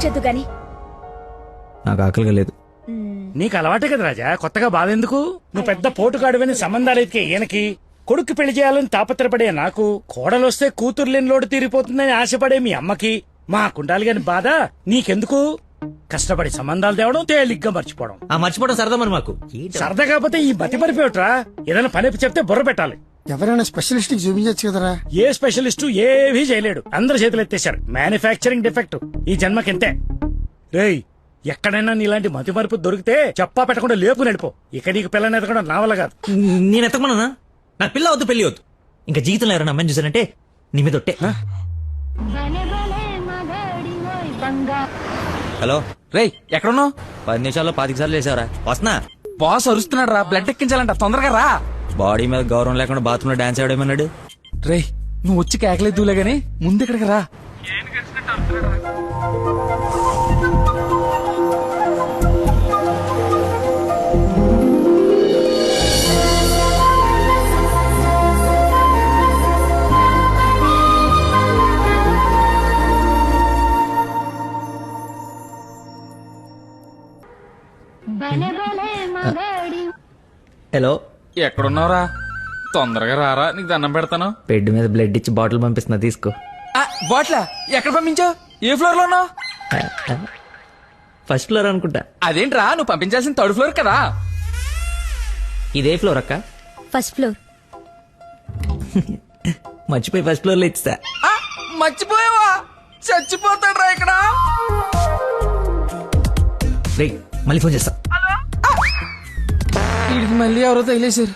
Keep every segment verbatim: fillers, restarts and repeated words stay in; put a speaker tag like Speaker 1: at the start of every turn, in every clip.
Speaker 1: వచ్చేద్దు గాని.
Speaker 2: నాకు ఆకలిగా లేదు.
Speaker 3: నీకు అలవాటే కదా రాజా, కొత్తగా బాధ ఎందుకు? నువ్వు పెద్ద పోటుగాడువని సంబంధాలు ఎతికే ఈయనకి, కొడుకు పెళ్లి చేయాలని తాపత్రపడే నాకు, కోడలొస్తే కూతురు లేని లోటు తీరిపోతుందని ఆశపడే మీ అమ్మకి, మా కుండాలి గాని బాధ నీకెందుకు? కష్టపడి సంబంధాలు తేవడం, తేలిగ్గా మర్చిపోవడం.
Speaker 2: ఆ మర్చిపోవడం సరదా మరి మాకు.
Speaker 3: సరదా కాకపోతే ఈ బతి మరిపోయట్రా. ఏదైనా పని చెప్తే బుర్ర పెట్టాలి.
Speaker 4: ఎవరైనా స్పెషలిస్ట్ కి చూపించచ్చు కదరా.
Speaker 3: ఏ స్పెషలిస్టు ఏవీ చేయలేడు, అందరు చేతులు ఎత్తేశారు. మ్యానుఫ్యాక్చరింగ్ డిఫెక్ట్ ఈ జన్మకింతే. రేయ్, ఎక్కడైనా నీలాంటి మతి మరుపు దొరికితే చెప్పా పెట్టకుండా లేపు నడిపో. ఇక నీకు పిల్లని ఎదగడం నా వల్ల కాదు.
Speaker 2: నేను ఎత్తకమన్నా? నాకు పిల్ల వద్దు, పెళ్లి వద్దు. ఇంకా జీవితంలో ఎవరైనా అమ్మాయిని చూసానంటే నీ మీద ఒట్టే. హలో
Speaker 5: రేయ్, ఎక్కడున్నావు?
Speaker 2: పది నిమిషాల్లో పాతిక సార్లు వేసావరా? వస్తున్నా.
Speaker 5: బాస్ అరుస్తున్నాడు రా, బ్లడ్ ఎక్కించాలంట, తొందరగా రా.
Speaker 2: బాడీ మీద గౌరవం లేకుండా బాత్రూమ్ లో డాన్స్ ఆడేమన్నాడు.
Speaker 5: రేయ్, నువ్వు వచ్చి కేకలేదులే గానీ ముందు ఇక్కడికి రా.
Speaker 2: హలో,
Speaker 5: ఎక్కడున్నావురా? తొందరగా రారా, నీకు దండం పెడతాను.
Speaker 2: బెడ్ మీద బ్లడ్ ఇచ్చి బాటిల్ పంపిస్తున్నా, తీసుకో.
Speaker 5: బాట్లా ఎక్కడ పంపించావు? ఏ ఫ్లోర్ లో ఉన్నావు?
Speaker 2: ఫస్ట్ ఫ్లోర్ అనుకుంటా.
Speaker 5: అదేంట్రా, నువ్వు పంపించాల్సిన థర్డ్ ఫ్లోర్ కదా.
Speaker 2: ఇదే ఫ్లోర్ అక్క.
Speaker 1: First floor.
Speaker 2: మర్చిపోయి ఫస్ట్ ఫ్లోర్ లో ఇచ్చా.
Speaker 5: ఆ, మర్చిపోయావా? చచ్చిపోతాడు రా ఇక్కడ.
Speaker 2: రే, మళ్ళీ ఫోన్ చేస్తా.
Speaker 5: వీడికి మళ్ళీ ఎవరో తగిలేశారు.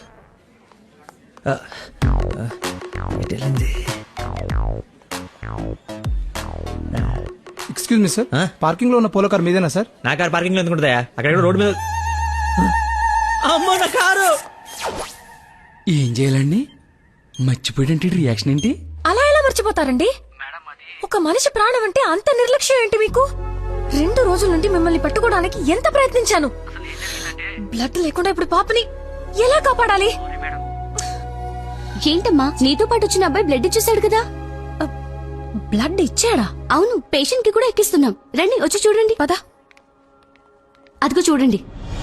Speaker 4: ఎక్స్క్యూజ్ మీ సార్, పార్కింగ్ లో ఉన్న పోలో కార్ మీదేనా సార్?
Speaker 2: నా కారు పార్కింగ్ లో ఎందుకుంటుందా? అక్కడ రోడ్డు మీద. అమ్మో, నా కారు.
Speaker 5: ఏం చేయాలండి? మర్చిపోయాడంటే రియాక్షన్ ఏంటి?
Speaker 1: అలా ఎలా మర్చిపోతారండి? ఒక మనిషి ప్రాణం అంటే అంత నిర్లక్ష్యం ఏంటి మీకు? రెండు రోజుల నుండి మిమ్మల్ని పట్టుకోవడానికి ఎంత ప్రయత్నించాను. బ్లడ్ లేకుండా ఇప్పుడు పాపని ఎలా కాపాడాలి?
Speaker 6: ఏంటమ్మా, నీతో పాటు వచ్చిన అబ్బాయి బ్లడ్ ఇచ్చేసాడు కదా.
Speaker 1: బ్లడ్ ఇచ్చాడా?
Speaker 6: అవును, పేషెంట్ కి కూడా ఎక్కిస్తున్నాం. రండి, వచ్చి చూడండి.
Speaker 1: పద.
Speaker 6: అదిగో చూడండి.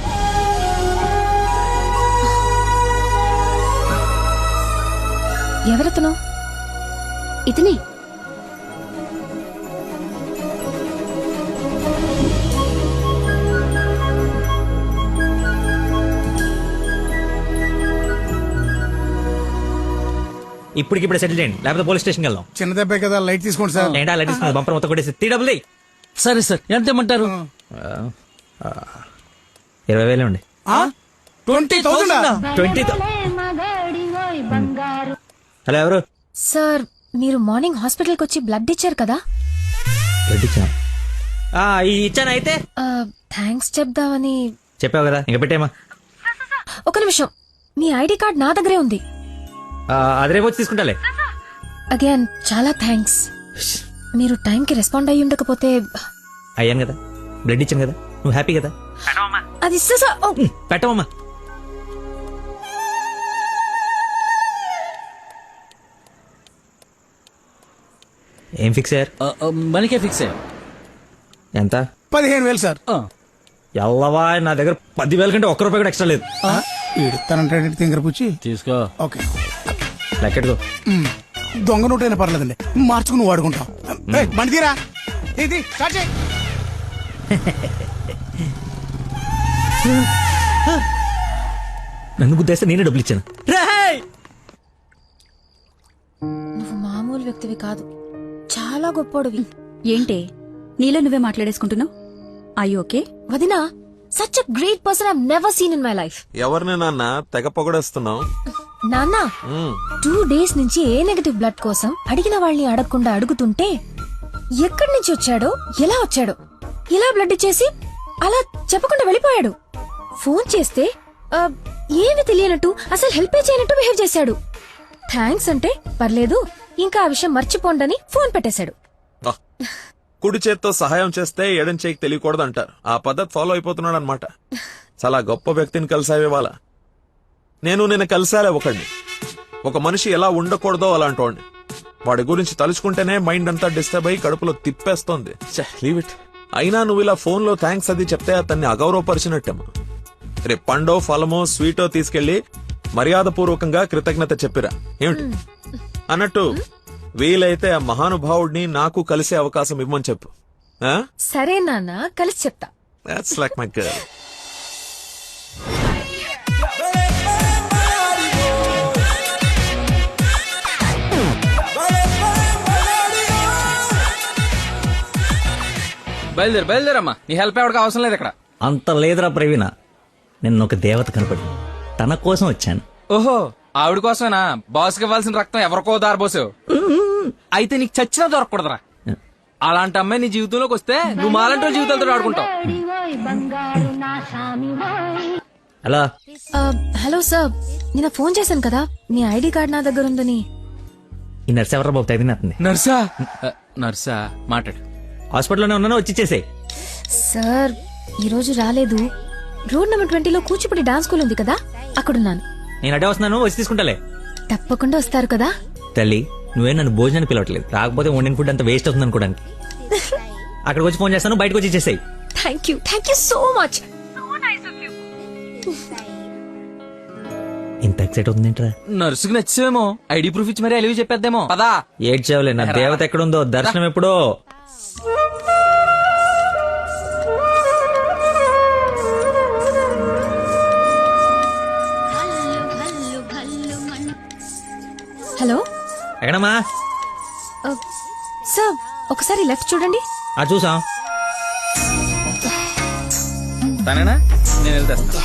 Speaker 1: ఎవరతను?
Speaker 6: ఇతనే.
Speaker 2: ఇప్పటికిప్పుడు సెటిల్ చేయండి, లేకపోతే పోలీస్ స్టేషన్కి వెళ్దాం.
Speaker 4: చిన్న దెబ్బే కదా, లైట్ తీసుకోండి సార్.
Speaker 2: ఏంటా లైట్ తీసుకుని బంపర్ మొత్తం కొట్టేసి త్రీ డబుల్
Speaker 5: సరే సార్, ఎంత ఇమ్మంటారు?
Speaker 2: ఇరవై వేలే ఉండి.
Speaker 4: Twenty thousand
Speaker 2: twenty. హలో, ఎవరు?
Speaker 1: సార్, మీరు మార్నింగ్ హాస్పిటల్కి వచ్చి బ్లడ్ ఇచ్చారు కదా?
Speaker 2: బ్లడ్ ఇచ్చాను. ఇచ్చాను. అయితే
Speaker 1: థ్యాంక్స్ చెప్దామని.
Speaker 2: చెప్పావు కదా, ఇంకా పెట్టేమా.
Speaker 1: ఒక నిమిషం, మీ ఐడి కార్డ్ నా దగ్గరే ఉంది.
Speaker 2: అది రేపు వచ్చి తీసుకుంటాలే.
Speaker 1: అగైన్ చాలా థ్యాంక్స్. మీరు టైంకి రెస్పాండ్ అయ్యి ఉండకపోతే.
Speaker 2: అయ్యాను కదా, బ్లడ్ ఇచ్చాను కదా, నువ్వు హ్యాపీ కదా.
Speaker 1: అది
Speaker 2: పెట్టవమ్మా. ఏం ఫిక్స్ అయ్యారు?
Speaker 5: మనకే ఫిక్స్ అయ్యారు.
Speaker 2: ఎంత?
Speaker 4: పదిహేను వేలు సార్.
Speaker 2: ఎల్లవా, నా దగ్గర పదివేల కంటే ఒక్క రూపాయి కూడా ఎక్స్ట్రా లేదు.
Speaker 4: తనంటే తింగర పుచ్చి
Speaker 5: తీసుకో.
Speaker 4: ఓకే,
Speaker 2: లెక్కెట్టుకో.
Speaker 4: దొంగ నోట్ అయినా పర్లేదండి, మార్చుకుని వాడుకుంటాం. బండి తీరా, ఇది స్టార్ట్ చేయి.
Speaker 2: నన్ను గుద్దేస్తే నేనే డబ్బులు ఇచ్చాను.
Speaker 1: నువ్వు మామూలు వ్యక్తివి కాదు, చాలా గొప్పోడివి.
Speaker 6: ఏంటే నీలో నువ్వే మాట్లాడేసుకుంటున్నావు? I okay?
Speaker 1: వదినా, such a great person I never seen in my life.
Speaker 7: ఎవరిని నాన్న తెగ పొగడేస్తున్నావు?
Speaker 1: నాన్న, టూ డేస్ నుంచి ఏ నెగటివ్ బ్లడ్ కోసం అడిగిన వాళ్ళని అడగకుండా అడుగుతుంటే ఎక్కడి నుంచి వచ్చాడో, ఎలా వచ్చాడో, ఇలా బ్లడ్ ఇచ్చేసి అలా చెప్పకుండా వెళ్ళిపోయాడు. ఫోన్ చేస్తే ఏమి తెలియనట్టు, అసలు హెల్ప్ చేయనట్టు బిహేవ్ చేశాడు. థ్యాంక్స్ అంటే పర్లేదు, ఇంకా ఆ విషయం మర్చిపోండని ఫోన్ పెట్టేశాడు.
Speaker 7: కుడి చేత్తో సహాయం చేస్తే ఎడం చేయికి తెలియకూడదు అంటారు. ఆ పద్ధతి ఫాలో అయిపోతున్నాడు అనమాట. చాలా గొప్ప వ్యక్తిని కలిసావే వాళ్ళ. నేను నిన్న కలిసాలే ఒకడిని. ఒక మనిషి ఎలా ఉండకూడదో అలాంటి వాడిని. వాడి గురించి తలుచుకుంటేనే మైండ్ అంతా డిస్టర్బ్ అయ్యి కడుపులో తిప్పేస్తోంది. Leave it. అయినా నువ్వు ఇలా ఫోన్ లో థ్యాంక్స్ అది చెప్తే అతన్ని అగౌరవపరిచినట్టేమో. రేపు పండో ఫలమో స్వీటో తీసుకెళ్లి మర్యాదపూర్వకంగా కృతజ్ఞత చెప్పిరా ఏమిటి? అన్నట్టు వీలైతే ఆ మహానుభావుడిని నాకు కలిసే అవకాశం ఇవ్వమని చెప్పు.
Speaker 1: సరే నాన్న, కలిసి చెప్తా.
Speaker 7: That's like my girl.
Speaker 5: బయలుదేరు బయలుదేరమ్మా, నీ హెల్ప్ ఎవరికి అవసరం లేదు ఇక్కడ.
Speaker 2: అంత లేదురా ప్రవీణ, నిన్న ఒక దేవత కనపడి తన కోసం వచ్చాను.
Speaker 5: ఓహో, ఆవిడ కోసమేనా బాస్కి ఇవ్వాల్సిన రక్తం ఎవరికో దారబోసావు? అయితే నీకు చచ్చినా దొరకకూడదురా. అలాంటి అమ్మాయి నీ జీవితంలోకి వస్తే నువ్వు మాలంటి వాళ్ళ జీవితాలతో ఆడుకుంటావు.
Speaker 2: అలా
Speaker 1: ఆ, హలో సార్, నిన్న ఫోన్ చేశాను కదా, మీ ఐడి కార్డ్ నా దగ్గర ఉందని.
Speaker 2: ఈ నర్స్ ఎవరా బాబు తగినట్టుంది?
Speaker 5: నర్సా? ఆ, నర్సా మాట్లాడు.
Speaker 2: హాస్పిటల్లోనే ఉన్నాను, వచ్చి ఇచ్చేసేయ్.
Speaker 1: సార్ ఈ రోజు రాలేదు. రోడ్ నెంబర్ ట్వంటీలో కూచిపూడి డాన్స్ స్కూల్ ఉంది కదా, అక్కడున్నాను.
Speaker 2: నేను అడే వస్తున్నాను, వచ్చి తీసుకుంటాలే.
Speaker 1: తప్పకుండా వస్తారు కదా.
Speaker 2: తల్లి, నువ్వే నన్ను భోజనానికి పిలవట్లేదు, రాకపోతే వండిన ఫుడ్ అంత వేస్ట్ అవుతుంది అనుకోడానికి. అక్కడికి వచ్చి ఫోన్ చేస్తాను, బయటకు వచ్చి ఇచ్చేసాయి.
Speaker 1: Thank you thank you so much.
Speaker 2: ఇంత ఎక్సైట్ అవుతుంది ఏంట్రా?
Speaker 5: నర్సుకి నచ్చేమో, ఐడి ప్రూఫ్ ఇచ్చి మరీ అలివి చెప్పేద్దేమో. పదా
Speaker 2: ఏడ్చావులే, నా దేవత ఎక్కడుందో, దర్శనం ఎప్పుడో.
Speaker 1: హలో
Speaker 2: ఎక్కడమ్మా?
Speaker 1: సార్, ఒకసారి లెఫ్ట్ చూడండి.
Speaker 2: ఆ చూసాం.
Speaker 5: తనేనా? నేను వెళ్తా.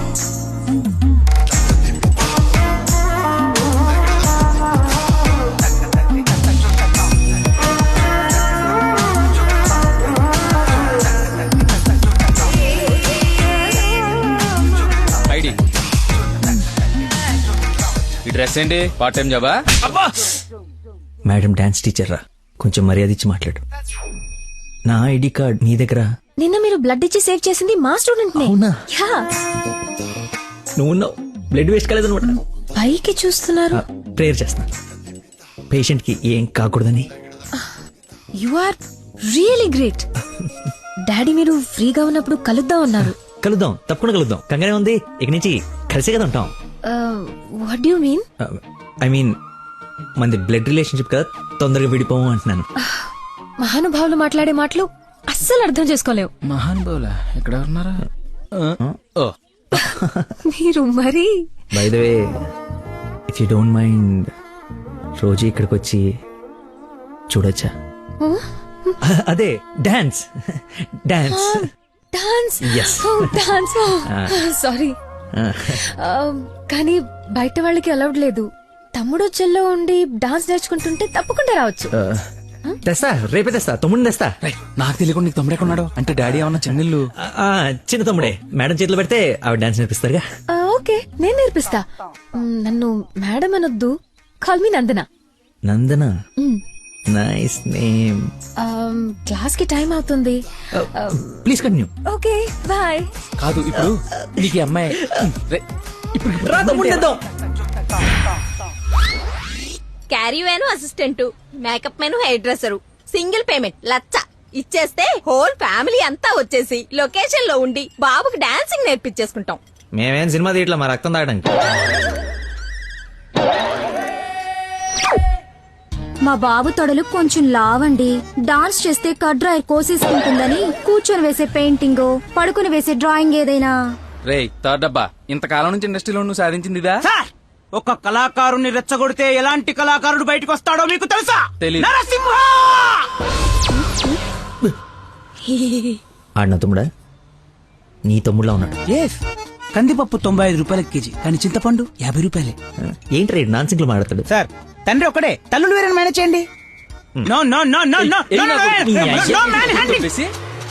Speaker 5: ఐడి, ఈ డ్రెస్ ఏంటి? పార్ట్ టైం జాబా?
Speaker 2: మేడం డాన్స్ టీచర్ రా, కొంచెం మర్యాద ఇచ్చి మాట్లాడు. నా ఐడి కార్డ్ మీ దగ్గర.
Speaker 1: నిన్న మీరు బ్లడ్ ఇచ్చి సేవ్ చేసింది మా స్టూడెంట్ నే.
Speaker 2: అవునా?
Speaker 1: యా.
Speaker 2: నువ్వు బ్లడ్ వేస్ట్ కాలేదనమాట.
Speaker 1: పైకి చూస్తున్నారు.
Speaker 2: ప్రేయర్ చేస్తా, పేషెంట్ కి ఏం కాకూడదని.
Speaker 1: You are really great. Daddy మీరు ఫ్రీగా ఉన్నప్పుడు కలుద్దాం అన్నారు.
Speaker 2: కలుద్దాం, తప్పకుండా కలుద్దాం. కంగానే ఉంది, ఇక నుంచి కలిసే కదా ఉంటాం.
Speaker 1: What you mean?
Speaker 2: I mean మనది బ్లడ్ రిలేషన్షిప్ కదా, తొందరగా విడిపోము అంటున్నాను.
Speaker 1: మహానుభావులు మాట్లాడే మాటలు అస్సలు అర్థం చేసుకోలేవు.
Speaker 5: మహాన్ బౌలా ఎక్కడ ఉన్నారా? ఓ,
Speaker 1: మీరు మరి.
Speaker 2: By the way, if you don't mind, రోజు ఇక్కడికి వచ్చి చూడొచ్చా? అదే dance dance
Speaker 1: dance.
Speaker 2: Yes.
Speaker 1: Dance. Sorry, కానీ బయట వాళ్ళకి అలౌడ్ లేదు. తమ్ముడు చెల్లో ఉండి డాన్స్ నేర్చుకుంటుంటే తప్పకుండా రావచ్చు.
Speaker 2: తెస్తా, రేపే తెస్తా, తమ్ముడిని తెస్తా.
Speaker 5: రేయ్, నాకు తెలియకుండా నీకు తమ్ముడు ఎక్కడున్నాడు? అంటే డాడీ ఏమన్నా చెన్నెళ్ళు?
Speaker 2: ఆ, చిన్న తమ్ముడే, మేడం చేతిలో పెడితే ఆవిడ డాన్స్ నేర్పిస్తారుగా.
Speaker 1: ఆ, ఓకే, నేను నేర్పిస్తా. మ్, నన్ను మేడం అనొద్దు, call me Nandana.
Speaker 2: Nandana, nice name.
Speaker 1: Class కి టైం అవుతుంది.
Speaker 2: Please continue.
Speaker 1: Okay, bye.
Speaker 5: కాదు, ఇప్పుడు నీకు ఈ అమ్మాయి రేయ్, ఇప్పుడు
Speaker 2: రా తమ్ముడిని తెద్దాం.
Speaker 8: Caravan assistant, makeup man hair dresser, single payment లచ్చ ఇచ్చేస్తే హోల్ ఫ్యామిలీ అంతా వచ్చేసి లొకేషన్ లో ఉండి బాబుకి డాన్సింగ్ నేర్పించేసుకుంటాం.
Speaker 2: మేమేం సినిమా తీయట్లా, మా రక్తం తాగడానికి.
Speaker 6: మా బాబు తొడలు కొంచెం లావండి. డాన్స్ చేస్తే కడ్రాయర్ కోసేసుకుంటుందని కూర్చొని వేసే పెయింటింగ్, పడుకుని వేసే డ్రాయింగ్ ఏదైనా.
Speaker 5: రేయ్ థర్డ్ డబ్బా, ఇంతకాలం నుంచి ఇండస్ట్రీలో నువ్వు సాధించింది ఇదా?
Speaker 4: సార్, ఒక కళాకారుని రెచ్చగొడితే ఎలాంటి కళాకారుడు బయటకు వస్తాడో మీకు తెలుసా?
Speaker 5: తెలీదు.
Speaker 4: నరసింహ!
Speaker 2: ఆడిన తమ్ముడా? నీ తమ్ముడులా ఉన్నాడు.
Speaker 4: ఎస్, కందిపప్పు తొంభై ఐదు రూపాయల కేజీ, కానీ చింతపండు యాభై రూపాయలే.
Speaker 2: ఏంటి రేడు నాన్ సింగ్లు మాట్లాడతాడు?
Speaker 4: సార్, తండ్రి ఒకడే, తల్లులు వేరే మేనేజ్ చేయండి. No no no no no
Speaker 5: ఏయ్,
Speaker 4: నో
Speaker 5: నాకు నీ
Speaker 4: నో
Speaker 5: అయ్య-
Speaker 4: నో మ్యాన్ హ్యాండింగ్.
Speaker 5: చెప్పేసి,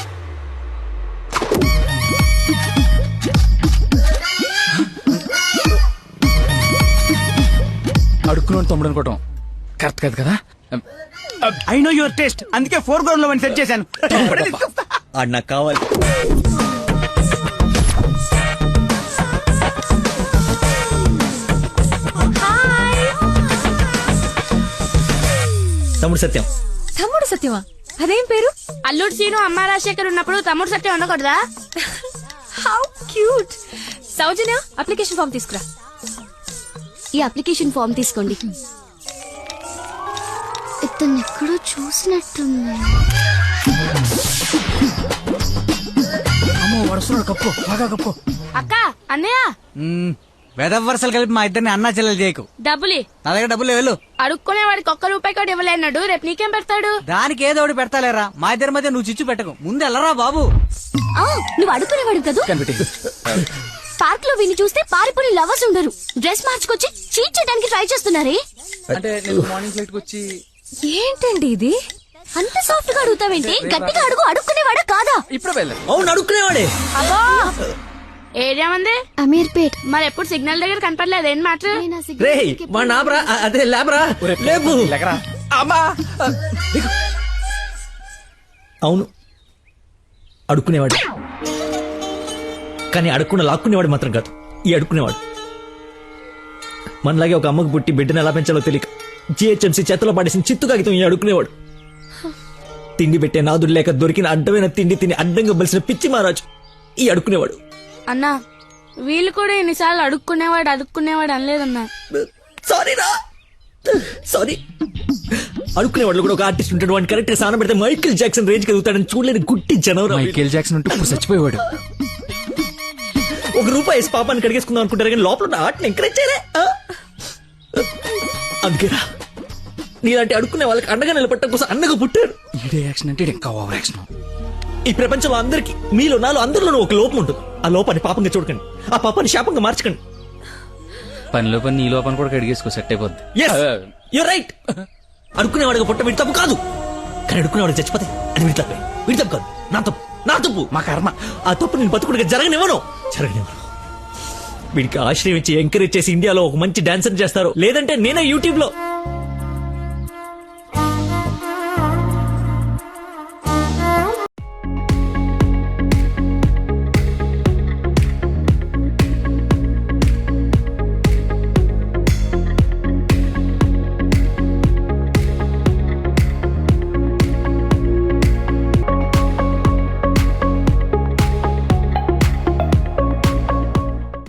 Speaker 5: అడుక్కున్నాడు తమ్ముడు అనుకోవటం కరెక్ట్ కాదు కదా.
Speaker 4: ఐ నో యువర్ టేస్ట్, అందుకే ఫోర్ గ్రౌండ్ లో సెట్ చేశాను. ఇప్పుడే తీసుకొస్తా.
Speaker 2: ఆడు నాకు కావాలి. తమ్ముడు సత్యం.
Speaker 1: తమ్ముడు సత్యమా? అదేం పేరు?
Speaker 9: అల్లుడు సీను అమ్మ రాజశేఖర్ ఉన్నప్పుడు తమ్ముడు సత్యం ఉండకూడదా?
Speaker 1: How cute. Soujanya application form తీసుకురా.
Speaker 6: ఈ అప్లికేషన్ ఫామ్ తీసుకోండి. ఇతను ఎక్కడో చూసినట్టుంది.
Speaker 4: అమ్మో వడుస్తున్నాడు, కప్పు బాగా కప్పు.
Speaker 9: అక్క అన్నయ్య
Speaker 10: వెదవ వరుసలు కలిపి మా ఇద్దరిని అన్నా చెల్లెలు చేయకు.
Speaker 9: డబ్బులి
Speaker 10: నా దగ్గర డబ్బులు వెళ్ళు.
Speaker 9: అడుక్కునే వాడికి ఒక్క రూపాయి కూడా ఇవ్వలేన్నాడు. రేపు నీకేం పెడతాడు?
Speaker 10: దానికి ఏదో ఒకటి పెడతాలేరా. మా ఇద్దరి మధ్య నువ్వు చిచ్చు పెట్టకు. ముందు వెళ్ళరా బాబు.
Speaker 6: ఆ, నువ్వు అడుగునేవాడు కదా. పార్క్ లో విని చూస్తే పారిపోయి లవర్స్ ఉండరు. డ్రెస్ మార్చుకొచ్చి చీట్ చేయడానికి ట్రై చేస్తున్నారే.
Speaker 5: అంటే నేను మార్నింగ్ ఫ్లైట్ వచ్చి
Speaker 1: ఏంటండి ఇది?
Speaker 6: అంత సాఫ్ట్ గా అడుగుతావేంటి? గట్టిగా అడుగు. అడుక్కునేవాడా కాదా?
Speaker 5: ఇప్పుడు వెళ్ళాను.
Speaker 2: అవును అడుక్కునేవాడే.
Speaker 9: అబ్బో ఏరియా మంది
Speaker 6: అమీర్పేట్.
Speaker 9: మరి ఎప్పుడు సిగ్నల్ దగ్గర కనపడలేదు. ఏం మాట?
Speaker 2: రే మా నాబ్రా అదే లేబరా లేపు.
Speaker 5: అమ్మా
Speaker 2: అవును అడుక్కునేవాడు, కానీ అడుక్కున్న లాక్కునేవాడు మాత్రం కాదు ఈ అడుక్కునేవాడు. మనలాగే ఒక అమ్మకు పుట్టి బిడ్డను ఎలా పెంచాలో తెలియక జిహెచ్ఎంసీ చేతిలో పడేసిన చిత్తు కాగితం ఈ అడుక్కునేవాడు. తిండి పెట్టే నాదుడు లేక దొరికిన అడ్డమైన తిండి తిని అడ్డంగా బలిసిన పిచ్చి మహారాజు ఈ అడుక్కునేవాడు.
Speaker 9: అన్నా వీళ్ళు కూడా ఎన్నిసార్లు అడుక్కునేవాడు అడుక్కునేవాడు అనలేదన్నా.
Speaker 2: సారీ రా సారీ. అడుక్కునేవాడు కూడా ఒక ఆర్టిస్ట్ ఉంటాడు. వాడిని కరెక్ట్ గా సాన పెడితే మైకేల్ జాక్సన్ రేంజ్ కలుగుతాడని చూడలేని గుట్టి జనవరం.
Speaker 5: మైకేల్ జాక్సన్ ఉంటూ ఇప్పుడు చచ్చిపోయేవాడు.
Speaker 2: ఒక రూపాయి వేసి పాపాన్ని కడిగేసుకుందాం అనుకుంటారు కానీ లోపల ఉన్న ఆర్ట్ని ఎంకరేజ్ చేయలే. అందుకేరా నీలాంటి అడుక్కునే వాళ్ళకి అండగా నిలబట్టడం కోసం అండగా పుట్టారు.
Speaker 5: ఈడే యాక్షన్ అంటే ఇంకా ఓవర్ యాక్షన్.
Speaker 2: ఈ ప్రపంచంలో అందరికి మీలో నాలో అందరిలోనూ ఒక లోపం ఉంటుంది. ఆ లోపాన్ని పాపంగా చూడకండి, ఆ పాపాన్ని శాపంగా మార్చకండి.
Speaker 5: పనిలో పని నీ లోపల కూడా కడిగేసుకో, సెట్ అయిపోద్ది.
Speaker 2: You right. అడుక్కునేవాడిగా పుట్ట వీడి తప్పు కాదు, కానీ అడుక్కునేవాడికి చచ్చిపోతే అది వీడి తప్పే. వీడి తప్పు కాదు, నా తప్పు, నా తప్పు, మా కర్మ. ఆ తప్పు నేను బతుకుడిగా జరగనివ్వను జరగనివ్వను. వీడికి ఆశ్రయం ఇచ్చి ఎంకరేజ్ చేసి ఇండియాలో ఒక మంచి డాన్సర్ చేస్తారు, లేదంటే నేనే యూట్యూబ్ లో